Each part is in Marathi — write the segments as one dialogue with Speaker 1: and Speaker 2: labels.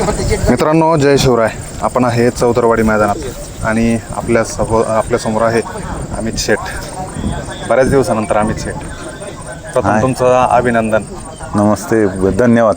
Speaker 1: मित्रांनो, जय शिवराय. आपण आहे चौतरवाडी मैदानात आणि आपल्या समोर आहे अमित शेठ. बऱ्याच दिवसानंतर अमित शेठ, प्रथम तुमचं अभिनंदन.
Speaker 2: नमस्ते, धन्यवाद.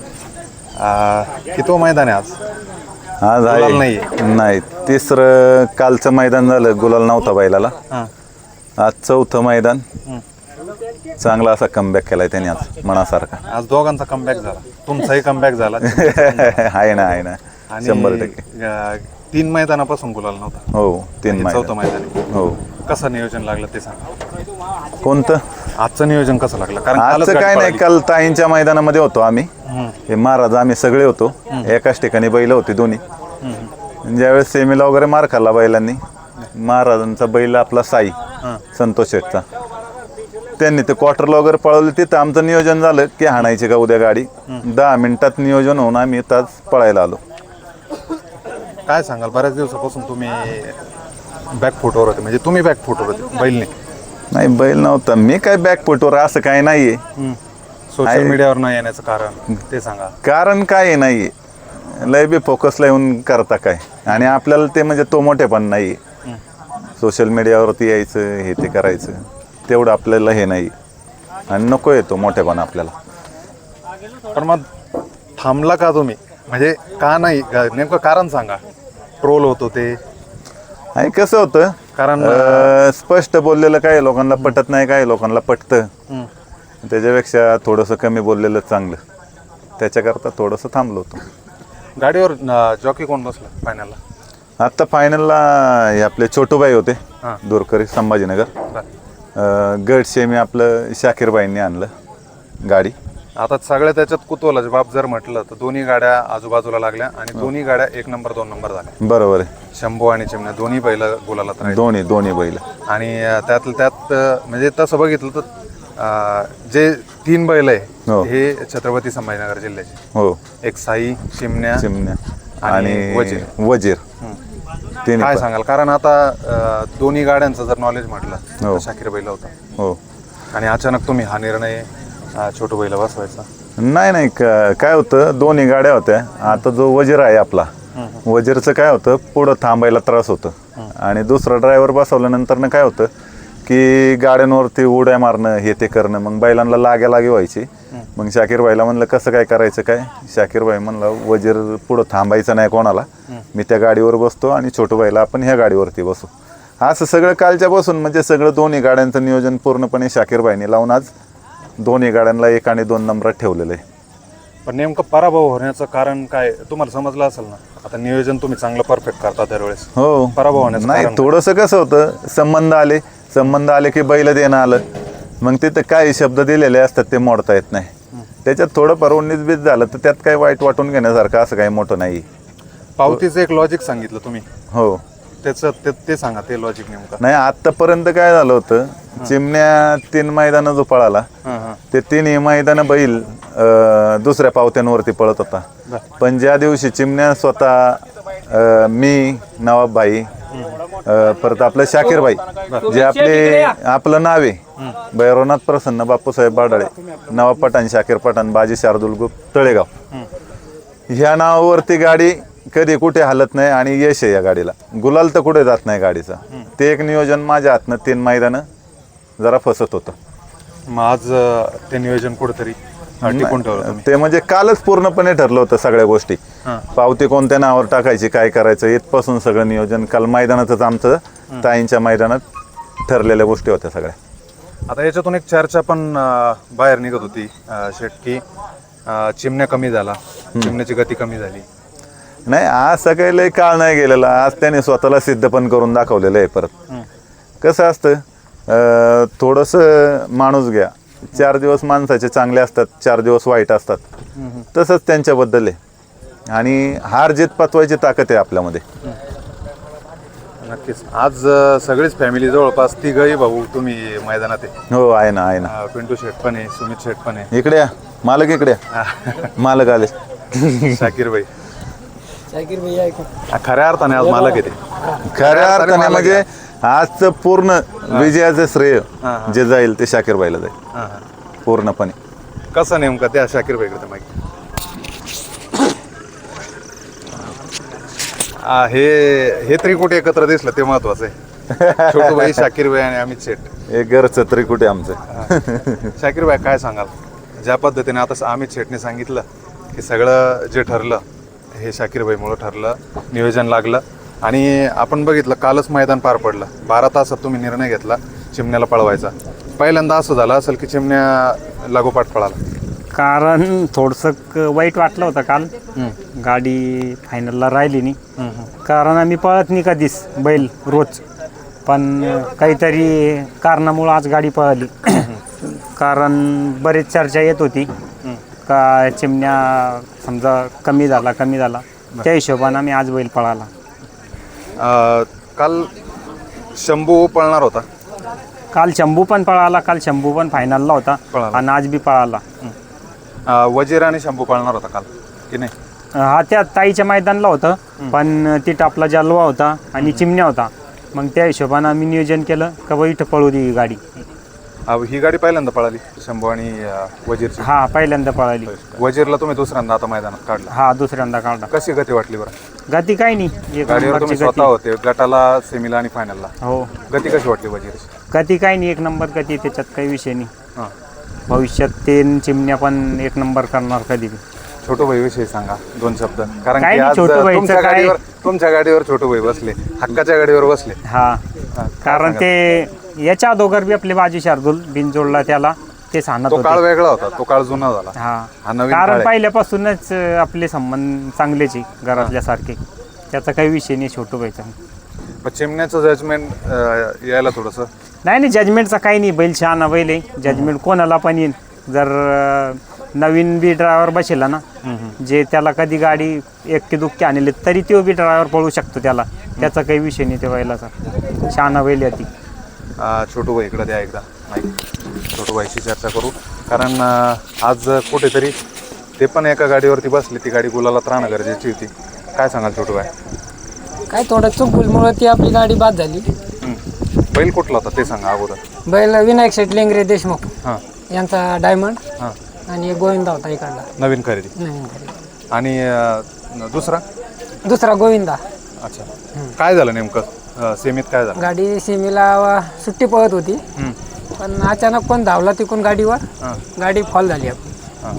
Speaker 1: किती मैदान आहे आज?
Speaker 2: आज
Speaker 1: गुलाल
Speaker 2: नाही, तिसरं कालचं मैदान झालं, गुलाल नव्हता बैलाला. आज चौथं मैदान. चांगला असा कमबॅक केलाय त्याने आज मनासारखा.
Speaker 1: आज दोघांचा कमबॅक झाला, तुमचाही कमबॅक झाला.
Speaker 2: आहे ना 100%.
Speaker 1: 3 मैदानापासून गुलाल नव्हता.
Speaker 2: हो, 3
Speaker 1: चौथं मैदान.
Speaker 2: हो.
Speaker 1: कसं नियोजन लागलं ते सांगा.
Speaker 2: कोणतं
Speaker 1: आजचं नियोजन कसं लागलं? कारण
Speaker 2: आजचं काय नाही, काल ताईंच्या मैदानामध्ये होतो आम्ही. हे महाराज आम्ही सगळे होतो, एकाच ठिकाणी बैल होती दोन्ही. ज्यावेळेस सेमीला वगैरे मार खाल्ला बैलांनी, महाराजांचा बैल आपला साई संतोष शेठचा, त्यांनी ते क्वार्टरला वगैरे पळवले. तिथं आमचं नियोजन झालं की हाणायची का उद्या गाडी. 10 मिनिटात नियोजन होऊन आम्ही तास पळायला आलो.
Speaker 1: काय सांगाल, बऱ्याच दिवसापासून तुम्ही बॅकफुटवर होते, म्हणजे तुम्ही बॅकफुटवर होते, बैल
Speaker 2: नाही बैल नव्हता. मी काय बॅकफुटवर असं काय नाहीये.
Speaker 1: सोशल मीडियावर नाही येण्याचं कारण ते सांगा.
Speaker 2: कारण काय नाहीये, लय बी फोकसला येऊन करता काय, आणि आपल्याला ते म्हणजे तो मोठेपण नाही. सोशल मीडियावरती यायचं, हे ते करायचं, तेवढं आपल्याला हे नाही, आणि नको येतो मोठेपण आपल्याला.
Speaker 1: पण मग थांबला का तुम्ही? म्हणजे का नाही, नेमकं कारण सांगा. ट्रोल होतो ते,
Speaker 2: आणि कसं होतं,
Speaker 1: कारण
Speaker 2: स्पष्ट बोललेलं काही लोकांना पटत नाही, काही लोकांना पटतं. त्याच्यापेक्षा थोडंसं कमी बोललेलं चांगलं, त्याच्याकरता थोडंसं थांबलो होतो.
Speaker 1: गाडीवर जॉकी कोण बसला फायनलला?
Speaker 2: आत्ता फायनलला हे आपले छोटूबाई होते, दूरकरी, संभाजीनगर. गट सेमी आपलं शाकीरबाईंनी आणलं गाडी.
Speaker 1: आता सगळ्या त्याच्यात कुतूहलाचे बाब जर म्हटलं तर दोन्ही गाड्या आजूबाजूला लागल्या आणि दोन्ही गाड्या 1 नंबर 2 नंबर झाल्या.
Speaker 2: बरोबर आहे.
Speaker 1: शंभू आणि चिमण्या दोन्ही बैल बोलायला तर
Speaker 2: दोन्ही बैल.
Speaker 1: आणि त्यातलं त्यात म्हणजे तसं बघितलं तर जे 3 बैल आहे हे छत्रपती संभाजीनगर जिल्ह्याचे.
Speaker 2: हो.
Speaker 1: एक साई, चिमण्या
Speaker 2: आणि वजीर.
Speaker 1: काय सांगाल? कारण आता दोन्ही गाड्यांचं जर नॉलेज म्हटलं तर शाकीर बैल होता.
Speaker 2: हो.
Speaker 1: आणि अचानक तुम्ही हा निर्णय छोटू बैला बसवायचा?
Speaker 2: नाही, काय होतं, दोन्ही गाड्या होत्या. आता जो वजीर आहे आपला, वजीरचं काय होतं, पुढं थांबायला त्रास होतं, आणि दुसरा ड्रायव्हर बसवल्यानंतर काय होतं की गाड्यांवरती उड्या मारणं, हे ते करणं, मग बैलांना लागी व्हायची. मग शाकीरबाईला म्हणलं कसं काय करायचं काय. शाकीरबाई म्हणलं वजीर पुढं थांबायचं नाही कोणाला, मी त्या गाडीवर बसतो आणि छोटूबाईला आपण ह्या गाडीवरती बसू. असं सगळं कालच्या बसून म्हणजे सगळं दोन्ही गाड्यांचं नियोजन पूर्णपणे शाकीरबाईंनी लावून आज दोन्ही गाड्यांना 1 आणि 2 नंबरात ठेवलेलं आहे.
Speaker 1: पण नेमकं पराभव होण्याचं कारण काय तुम्हाला समजलं असेल ना? आता नियोजन तुम्ही चांगलं परफेक्ट करता दरवेळेस.
Speaker 2: हो.
Speaker 1: पराभव होण्याचं
Speaker 2: नाही, थोडंसं कसं होतं, संबंध आले की बैल देणं आलं, मग तिथं काही शब्द दिलेले असतात ते मोडता येत नाही. त्याच्यात थोडंफार 19-20 झालं तर त्यात काही वाईट वाटून घेण्यासारखं असं काही मोठं नाही.
Speaker 1: पावतीचं एक लॉजिक सांगितलं तुम्ही.
Speaker 2: हो.
Speaker 1: त्याचं ते सांगा, ते लॉजिक नेमकं.
Speaker 2: नाही, आतापर्यंत काय झालं होतं, चिमण्या 3 मैदानं जो पळाला ते 3ही मैदानं बैल दुसऱ्या पावत्यांवरती पळत होता. पण ज्या दिवशी चिमण्या स्वतः, मी, नवाबभाई, परत आपलं शाकीरबाई, जे आपलं नाव आहे भैरवनाथ प्रसन्न बापूसाहेब बाडाळे, नवाब पठाण, शाकीर पठाण, बाजी शार्दुल ग्रुप तळेगाव, ह्या नावावरती गाडी कधी कुठे हलत नाही, आणि यश आहे या गाडीला. गुलाल तर कुठे जात नाही गाडीचा. ते एक नियोजन माझ्या हातनं 3 मैदानं जरा फसत होतं.
Speaker 1: मग आज ते नियोजन कुठेतरी टिकून ठेवलं
Speaker 2: ते, म्हणजे कालच पूर्णपणे ठरलं होतं सगळ्या गोष्टी. पावती कोणत्या नावावर टाकायची, काय करायचं, इथपासून सगळं नियोजन काल मैदानातच आमचं ताईंच्या मैदानात ठरलेल्या गोष्टी होत्या सगळ्या.
Speaker 1: आता याच्यातून एक चर्चा पण बाहेर निघत होती शेठ, की चिमण्या कमी झाला, चिमण्याची गती कमी झाली.
Speaker 2: नाही, आज सकाळी लय काळ नाही गेलेला. आज त्याने स्वतःला सिद्ध पण करून दाखवलेलं आहे. परत कसं असतं, थोडंसं माणूस घ्या, 4 दिवस माणसाचे चांगले असतात, 4 दिवस वाईट असतात. तसंच त्यांच्याबद्दल आहे, आणि हार जीत पचवायची ताकद आहे आपल्यामध्ये.
Speaker 1: नक्कीच. आज सगळीच फॅमिली जवळपास 3घही भाऊ तुम्ही मैदानात आहे.
Speaker 2: हो, आहे ना.
Speaker 1: पिंटू शेठ पण आहे, सुमित शेठ पण आहे.
Speaker 2: इकडे या मालक, इकडे या मालक आले.
Speaker 1: शाकीरबाई खऱ्या अर्थाने आज मालक येते.
Speaker 2: खऱ्या अर्थाने म्हणजे आजचं पूर्ण विजयाचं श्रेय जे जाईल ते शाकीरबाईला जाईल पूर्णपणे.
Speaker 1: कसं नेमकं त्या शाकीरबाईकडे माहिती? हे त्रिकुट एकत्र दिसलं ते महत्वाचं आहे. छोटू भाई, शाकीर भाई आणि अमित शेठ.
Speaker 2: हे घरचं त्रिकुटे आमचं.
Speaker 1: शाकीर भाई काय सांगाल, ज्या पद्धतीने आता अमित शेठने सांगितलं की सगळं जे ठरलं हे शाकीर भाईमुळं ठरलं, नियोजन लागलं आणि आपण बघितलं कालच मैदान पार पडलं. 12 तासात तुम्ही निर्णय घेतला चिमण्याला पळवायचा. पहिल्यांदा असं झालं असेल की चिमण्या लागोपाठ पळाला?
Speaker 3: कारण थोडंसं वाईट वाटलं होतं काल, गाडी फायनलला राहिली नाही. कारण आम्ही पळत नाही कधीच बैल रोज, पण काहीतरी कारणामुळं आज गाडी पळाली. कारण बरेच चर्चा येत होती का चिमण्या समजा कमी झाला. त्या हिशोबानं आम्ही आज बैल पळाला.
Speaker 1: काल शंभू पळणार होता.
Speaker 3: काल शंभू पण पळाला, काल शंभू पण फायनलला होता आणि आज बी पळाला.
Speaker 1: वजीर आणि शंभू पळणार होता काल की नाही?
Speaker 3: हा त्या ताईच्या मैदानला होतं, पण ती टापला जालवा होता आणि चिमण्या होता. मग त्या हिशोबानं आम्ही नियोजन केलं का बा इथं पळू दे ही गाडी.
Speaker 1: ही गाडी पहिल्यांदा पळाली शंभू आणि वजीरची?
Speaker 3: हा पहिल्यांदा पळाली.
Speaker 1: वजीरला तुम्ही दुसऱ्यांदा आता मैदानात काढला?
Speaker 3: हा दुसऱ्यांदा काढला.
Speaker 1: कशी गती वाटली बरं?
Speaker 3: गती काही नाही, एक
Speaker 1: गाडीवर तुम्ही
Speaker 3: नंबरची
Speaker 1: स्वतः
Speaker 3: गती.
Speaker 1: होते गटाला, सेमीला आणि फायनलला.
Speaker 3: हो
Speaker 1: गती कशी वाटली वजीरची?
Speaker 3: गती काही नाही, एक नंबर गती, त्याच्यात काही विषय नाही.
Speaker 1: हां.
Speaker 3: भविष्यात ते चिमण्या पण एक नंबर करणार कधी बी.
Speaker 1: छोटू भाई विषयी सांगा 2 शब्द. कारण
Speaker 3: काय
Speaker 1: की
Speaker 3: नाही,
Speaker 1: आज
Speaker 3: छोटू भाईचं
Speaker 1: तुमच्या गाडीवर छोटू भाई बसले, हक्काच्या गाडीवर बसले.
Speaker 3: हा कारण ते याच्या अगोदर बी आपले बाजी शार्दूल बिनजोडला त्याला ते सांगत
Speaker 1: तो काळ
Speaker 3: होते.
Speaker 1: वेगळा होता, तो काळ जुना झाला. हा
Speaker 3: हा
Speaker 1: नवीन काळ
Speaker 3: कारण
Speaker 1: आहे.
Speaker 3: पहिल्यापासूनच आपले संबंध चांगलेच आहे घरातल्यासारखे. त्याचा काही विषय नाही छोटू व्हायचा.
Speaker 1: पण चिमण्याचं जजमेंट यायला थोडंसं
Speaker 3: नाही जजमेंटचा काही नाही, बैल शहाणा बैल आहे. जजमेंट कोणाला पण येईल. जर नवीन बी ड्रायव्हर बसेला ना, जे त्याला कधी गाडी एक्के दुक्के आणले तरी तो बी ड्रायव्हर पळू शकतो त्याला. त्याचा काही विषय नाही त्या बैलाचा. शहाणा बैल आहे ती.
Speaker 1: छोटू भाई इकडे द्या एकदा माईक. छोटू भाईशी चर्चा करू. कारण आज कुठेतरी ते पण एका गाडीवरती बसले, ती गाडी गुलालात राहणं गरजेची होती. काय सांगाल छोटू भाई?
Speaker 4: काय थोडं चुकमुळे ती आपली गाडी बाद झाली.
Speaker 1: बैल कुठला होता ते सांगा अगोदर.
Speaker 4: बैल विनायक शेट लेंगरे देशमुख
Speaker 1: हां
Speaker 4: यांचा डायमंड
Speaker 1: हां.
Speaker 4: आणि एक गोविंदा होता इकडला.
Speaker 1: नवीन खरेदी.
Speaker 4: नवीन खरेदी.
Speaker 1: आणि दुसरा?
Speaker 4: दुसरा गोविंदा.
Speaker 1: अच्छा. काय झालं नेमकं सेमीत, काय झालं?
Speaker 4: गाडी सीमेला सुट्टी पळत होती, पण अचानक कोण धावला तिकून गाडीवर.
Speaker 1: हां
Speaker 4: गाडी फॉल झाली आपली.
Speaker 1: हां.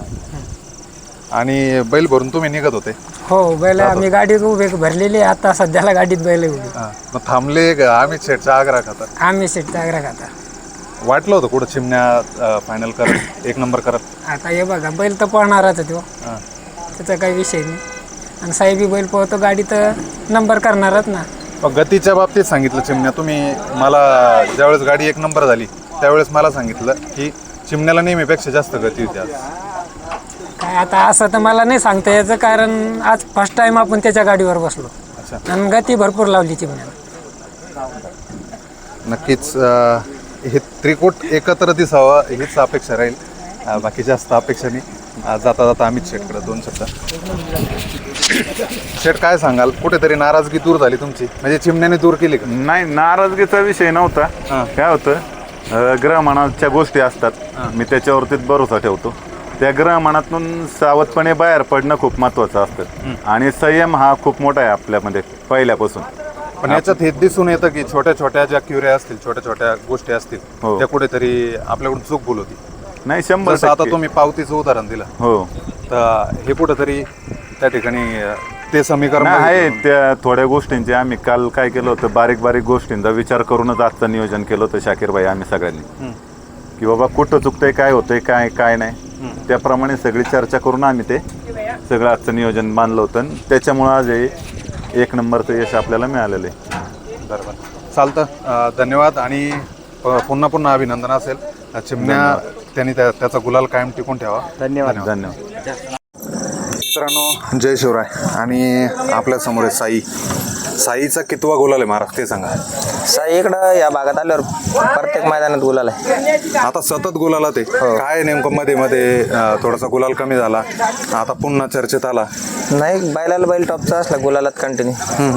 Speaker 1: आणि बैल भरून तुम्ही निघत होते?
Speaker 4: हो बैल आम्ही गाडीत उभे भरलेली आहे. आता सध्याला गाडीत बैल उभी.
Speaker 1: मग थांबले का? अमित शेठचा आग्रह खाता?
Speaker 4: आम्ही सीटचा आग्रह खाता.
Speaker 1: वाटलं होतं कुठं चिमण्या फायनल करत, एक नंबर करत?
Speaker 4: आता हे बघा बैल तर पळणारच आहे तो,
Speaker 1: हां.
Speaker 4: त्याचा काही विषय नाही. आणि साहेबी बैल पळतो, गाडी तर नंबर करणारच ना.
Speaker 1: मग गतीच्या बाबतीत सांगितलं चिमण्या तुम्ही मला, ज्यावेळेस गाडी एक नंबर झाली त्यावेळेस मला सांगितलं की चिमण्याला नेहमीपेक्षा जास्त गती होती आज.
Speaker 4: काय आता असं तर मला नाही सांगता याचं, कारण आज फर्स्ट टाइम आपण त्याच्या गाडीवर बसलो.
Speaker 1: अच्छा.
Speaker 4: आणि गती भरपूर लावली चिमण्याला.
Speaker 1: नक्कीच हे त्रिकूट एकत्र दिसावं हीच अपेक्षा राहील. बाकी जास्त अपेक्षा नाही. जाता जाता अमित शेठकडे 2 शब्द. शेठ काय सांगाल, कुठेतरी नाराजगी दूर झाली तुमची, म्हणजे चिमण्याने दूर केली का?
Speaker 2: नाही, नाराजगीचा विषय नव्हता.
Speaker 1: हां.
Speaker 2: काय होतं, ग्रहमानाच्या गोष्टी असतात, मी त्याच्यावरतीच भरोसा ठेवतो. त्या ग्रहमानातून सावधपणे बाहेर पडणं खूप महत्त्वाचं असतं. आणि संयम हा खूप मोठा आहे आपल्यामध्ये पहिल्यापासून.
Speaker 1: पण याच्यात हे दिसून येतं की छोट्या छोट्या ज्या क्युऱ्या असतील, छोट्या छोट्या गोष्टी असतील,
Speaker 2: हो.
Speaker 1: त्या कुठेतरी आपल्याकडून चूक भूल होती.
Speaker 2: नाही, 100%.
Speaker 1: जसं आता तुम्ही पावतीचं उदाहरण दिलं,
Speaker 2: हो
Speaker 1: तर हे कुठेतरी त्या ठिकाणी ते समीकरण
Speaker 2: नाही आहे. त्या थोड्या गोष्टींचे आम्ही काल काय केलं होतं, बारीक बारीक गोष्टींचा विचार करूनच आजचं नियोजन केलं होतं शाकीरबाई आम्ही सगळ्यांनी, की बाबा कुठं चुकतंय, काय होतंय, काय काय नाही. त्याप्रमाणे सगळी चर्चा करून आम्ही ते सगळं आजचं नियोजन मानलं होतं. आणि त्याच्यामुळं आज हे 1 नंबरचं यश आपल्याला मिळालेलं आहे.
Speaker 1: बरोबर. चालतं. धन्यवाद आणि पुन्हा पुन्हा अभिनंदन असेल. चिमण्या त्यांनी त्याचा गुलाल कायम टिकून ठेवा.
Speaker 3: धन्यवाद.
Speaker 2: धन्यवाद.
Speaker 1: मित्रांनो, जय शिवराय. आणि आपल्या समोर आहे साईचा कितवा गुलाल आहे महाराज ते सांगा.
Speaker 5: साई इकडं या भागात आल्यावर प्रत्येक मैदानात गुलाल आहे.
Speaker 1: आता सतत गुलाला ते काय नेमकं मध्ये मध्ये थोडासा गुलाल कमी झाला, आता पुन्हा चर्चेत आला.
Speaker 5: नाही, बैलाला बैल टॉपचा असला गुलालात कंटिन्यू.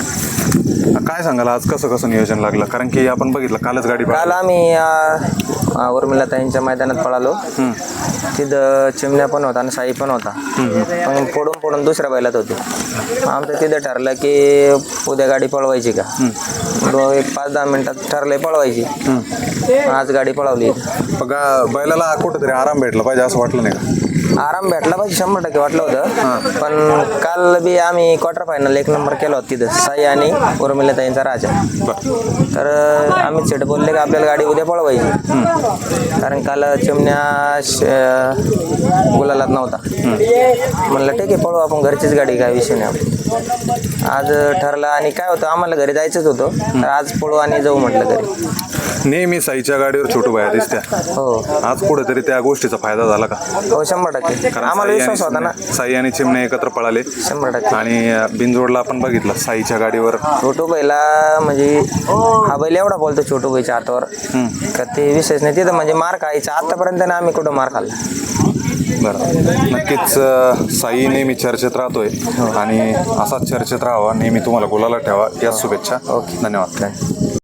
Speaker 1: काय सांगाल आज कसं कसं नियोजन लागलं? कारण की आपण बघितलं कालच गाडी
Speaker 5: काल आम्ही उर्मिलाताईंच्या मैदानात पळालो. तिथं चिमण्या पण होता आणि साई पण होता. पण फोडून दुसऱ्या बैलात होते. आमचं तिथं ठरलं की उद्या गाडी पळवायची का. एक 5-10 मिनिटात ठरले पळवायची. आज गाडी पळवली.
Speaker 1: बघा बैलाला कुठेतरी आराम भेटला पाहिजे असं वाटलं नाही का?
Speaker 5: आराम भेटला पाहिजे 100% वाटलं होतं. पण काल बी आम्ही क्वार्टर फायनल 1 नंबर केला होता तिथं, साई आणि उर्मिलाताईंचा राजा. तर आम्ही सेट बोलले की आपल्याला गाडी उद्या पळवायची. कारण काल चिमण्या गुलालात नव्हता. म्हणलं ठीक आहे पळू आपण, घरचीच गाडी, काय विषय नाही. आज ठरलं आणि काय होतं आम्हाला घरी जायचंच होतं, तर आज पळू आणि जाऊ म्हटलं घरी.
Speaker 1: नेहमी साईच्या गाडीवर छोटू बाया दिसत्या.
Speaker 5: हो
Speaker 1: आज कुठेतरी त्या गोष्टीचा फायदा झाला का?
Speaker 5: हो 100%.
Speaker 1: कारण
Speaker 5: आम्हाला विश्वास होता ना.
Speaker 1: साई आणि चिमण्या एकत्र पळाले
Speaker 5: 100%.
Speaker 1: आणि बिनजोडला आपण बघितलं साईच्या गाडीवर
Speaker 5: छोटू बैला म्हणजे हा बैल एवढा बोलतो छोटू बैच्या हातावर का ते विशेष नाही. तिथं म्हणजे मार खायचा आतापर्यंत ना आम्ही कुठं मार खाल्ला.
Speaker 1: बरं, नक्कीच साई नेहमी चर्चेत राहतोय आणि असाच चर्चेत राहावा, नेहमी तुम्हाला गुलाला ठेवा या शुभेच्छा. धन्यवाद.